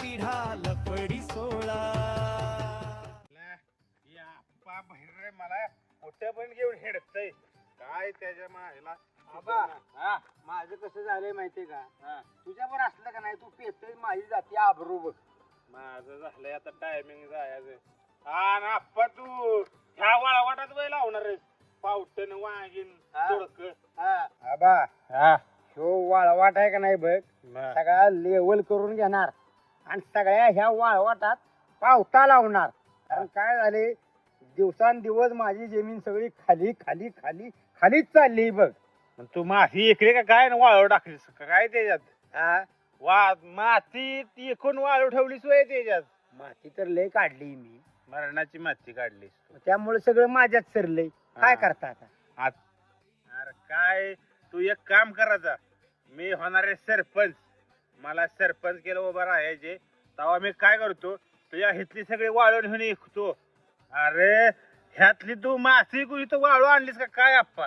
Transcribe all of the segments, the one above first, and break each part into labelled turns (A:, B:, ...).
A: पिढा लपडी सोळा.
B: बाहेर मला कुठे पण घेऊन हेडतय काय त्याच्या मायला.
C: आबा माझं कसं झालंय माहितीये का, तुझ्यावर असलं का नाही तू पेतय माझी जाती आबरू बघ.
B: माझं झालंय आता टायमिंग जायचं. हा ना आप्पा तू ह्या वाळवाटात वय लावणार आहेस पावटन वाघीन तोडक.
C: आबा ह्यो वाळवाट आहे का नाही बघ, सगळा लेवल करून घेणार आणि सगळ्या ह्या वाळवाटात पावटा लावणार. कारण काय झाले दिवसांदिवस माझी जमीन सगळी खाली खाली खाली खालीच चालली बघ.
B: तू माती इकडे का काय वाळव टाकलीस का काय त्याच्यात. माती एकूण वाळू ठेवलीस वय त्याच्यात.
C: माती तर लय काढली मी,
B: मरणाची माती काढलीस.
C: त्यामुळे सगळं माझ्यात सरलंय. काय करता आता.
B: अरे काय तू एक काम करायचा, मी होणारे सरपंच, मला सरपंच केलं उभं राहायचे तेव्हा मी काय करतो तुझ्या हितली सगळी वाळून घेऊन विकतो. अरे ह्यातली तू माती इथं वाळू आणलीस का काय आप्पा.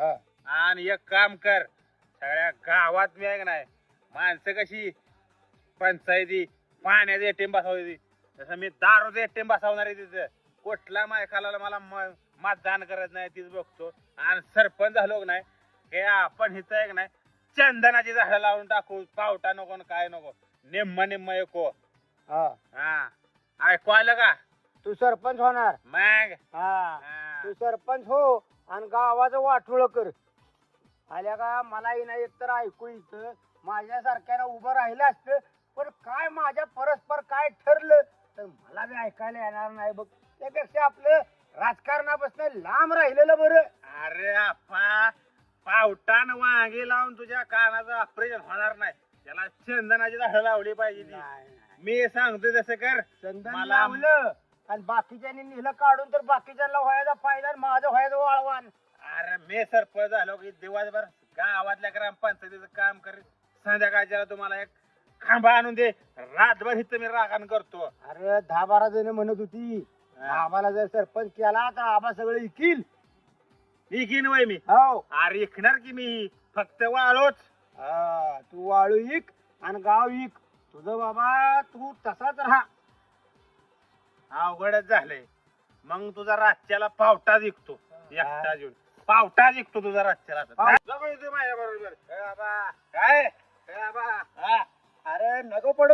B: आणि एक काम कर, सगळ्या गावात मी आहे का नाही माणसं कशी पंचायती पाण्याचे एटीएम बसवायची तसं मी दारूचे एटीएम बसवणार आहे. तिथं कुठला मायकाला मला मतदान करत नाही तीच बघतो. आणि सरपंच झालो का नाही हे आपण हिथं आहे का नाही चंदनाची झाडं लावून टाकू. पावटा नको न काय नको, निम्म निम्म एको. हा ऐकू आलं का.
C: तू सरपंच होणार.
B: मग
C: तू सरपंच हो आणि गावाचं वाटोळ कर. आल्या का मलाही नाही एकतर ऐकू इथं माझ्यासारख्याला उभं राहिलं असतं, पण काय माझ्या परस्पर काय ठरलं तर मला बी ऐकायला येणार नाही बघ. त्यापेक्षा आपलं राजकारणापासून लांब राहिलेलं बरं.
B: अरे आप्पा पावटान वांगे लावून तुझ्या कानाचं ऑपरेशन होणार नाही. त्याला चंदनाची झाडं लावली पाहिजे ती. मी सांगतोय तसं कर.
C: चंदन लावलं आणि बाकीच्यांनी नेलं काढून तर बाकीच्यांना व्हायचा फायदा आणि माझं व्हायचं वाळवान.
B: अरे मी सरपंच झालो की दिवसभर गावातल्या ग्रामपंचायतीचं काम करीत, संध्याकाळच्या तुम्हाला एक खांबा आणून दे, रातभर इथं मी राखण करतो.
C: अरे 10-12 जण म्हणत होती आम्हाला जर सरपंच केला तर आबा सगळं इकील.
B: इकीन वय मी.
C: हो
B: अरे इकणार की मी फक्त वाळूच.
C: तू वाळू इक आणि गाव इक. तुझं बाबा तू तसाच राहा.
B: अवघडच झालंय. मग तुझा रातच्याला पावटा जिंकतो एकटा घेऊन. पावटा जिंकतो तुझा रातच्याला. माझ्या बरोबर
C: काय अरे नको पडू